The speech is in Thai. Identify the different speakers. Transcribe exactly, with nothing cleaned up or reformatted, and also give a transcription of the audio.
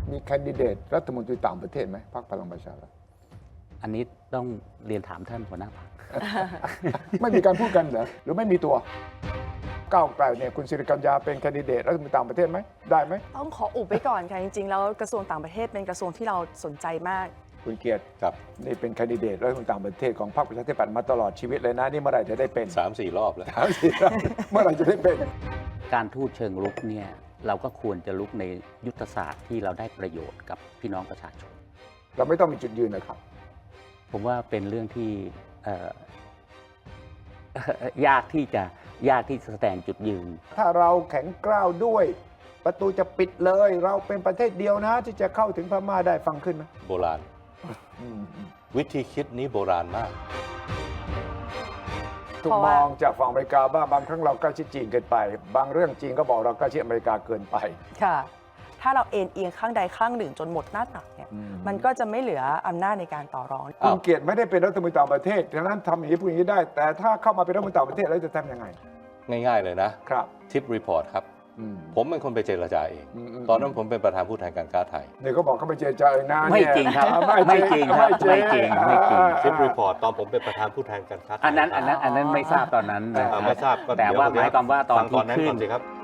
Speaker 1: มีแคนดิเดตรัฐมนตรีต่างประเทศไหมพรรคพลังประชารัฐ
Speaker 2: อันนี้ต้องเรียนถามท่านหัวหน้าพรรค
Speaker 1: ไม่มีการพูดกันเหรอหรือไม่มีตัวก้าวไกลเนี่ยคุณสิริกัญญาเป็นแคนดิเดตรัฐมนตรีต่างประเทศไหมได้ไหม
Speaker 3: ต้องขออุบไว้ก่อนค่ะจริงๆแล้วกระทรวงต่างประเทศเป็นกระทรวงที่เราสนใจมาก
Speaker 1: คุณเกียรติ
Speaker 4: ครับ
Speaker 1: นี่เป็นแคนดิเดตรัฐมนตรีต่างประเทศของพรรคประชาธิปัตย์มาตลอดชีวิตเลยนะนี่เมื่อไหร่จะได้เป็น
Speaker 4: สามสี่รอบแล้ว
Speaker 1: ถามสิครับเมื่อไหร่จะได้เป็น
Speaker 2: การทูตเชิงรุกเนี่ยเราก็ควรจะลุกในยุทธศาสตร์ที่เราได้ประโยชน์กับพี่น้องประชาชน
Speaker 1: เราไม่ต้องมีจุดยืนนะครับ
Speaker 2: ผมว่าเป็นเรื่องที่เอ่อ ยากที่จะยากที่จะแสดงจุดยืน
Speaker 1: ถ้าเราแข็งกร้าวด้วย ประตูจะปิดเลย เราเป็นประเทศเดียวนะที่จะเข้าถึงพม่าได้ฟังขึ้นไหม
Speaker 4: โบราณ
Speaker 1: อืม
Speaker 4: วิธีคิดนี้โบราณมาก
Speaker 1: ถูก
Speaker 3: เพราะ
Speaker 1: ม
Speaker 3: ว่า
Speaker 1: องจากฝั่งอเมริกาบ้างบางครั้งเราใกล้ชิดจีนเกินไป บางเรื่องจีนก็บอกเราใกล้ชิดอเมริกาเกินไป
Speaker 3: ค่ะ ถ้าเราเอ็นเอียงข้างใดข้างหนึ่งจนหมดหน้าตักเนี่ย
Speaker 1: อืม
Speaker 3: มันก็จะไม่เหลืออำนาจในการต่อรอง
Speaker 1: คุณเกียรติไม่ได้เป็นรัฐมนตรีต่างประเทศดังนั้นทำอย่างนี้พูดอย่างนี้ได้ แต่ถ้าเข้ามาเป็นรัฐมนตรีต่างประเทศแล้วจะทำยังไง
Speaker 4: ง่ายๆเลยนะ
Speaker 1: ครับ
Speaker 4: ทิปรีพอร์ตครับ
Speaker 1: อืม
Speaker 4: ผมเป็นคนไปเจรจาเอง
Speaker 1: อืมอืม
Speaker 4: ตอนนั้นผมเป็นประธานผู้แทนการค้าไทย
Speaker 1: เนี่ยเขาบอกเขาไปเจรจาเองนะ
Speaker 2: ไม่
Speaker 1: เนี่ย
Speaker 2: จริงครับ
Speaker 1: อ่า
Speaker 2: ไม่จริงครับ
Speaker 1: ไม่
Speaker 2: ไม่จริงไม่จริง
Speaker 4: ทิปรีพอร์ตตอนผมเป็นประธานผู้แทนการค้าไทย
Speaker 2: อันนั้นอันนั้นอันนั้นไม่ทราบตอนนั้นนะ
Speaker 4: อ่าไม่ทราบก็
Speaker 2: แต่ว่าห
Speaker 4: เดี๋
Speaker 2: มายความว่าตอน
Speaker 4: ฟังต
Speaker 2: ที่
Speaker 4: อนนั้น
Speaker 2: ขึ้
Speaker 4: ก่อน นสิครับ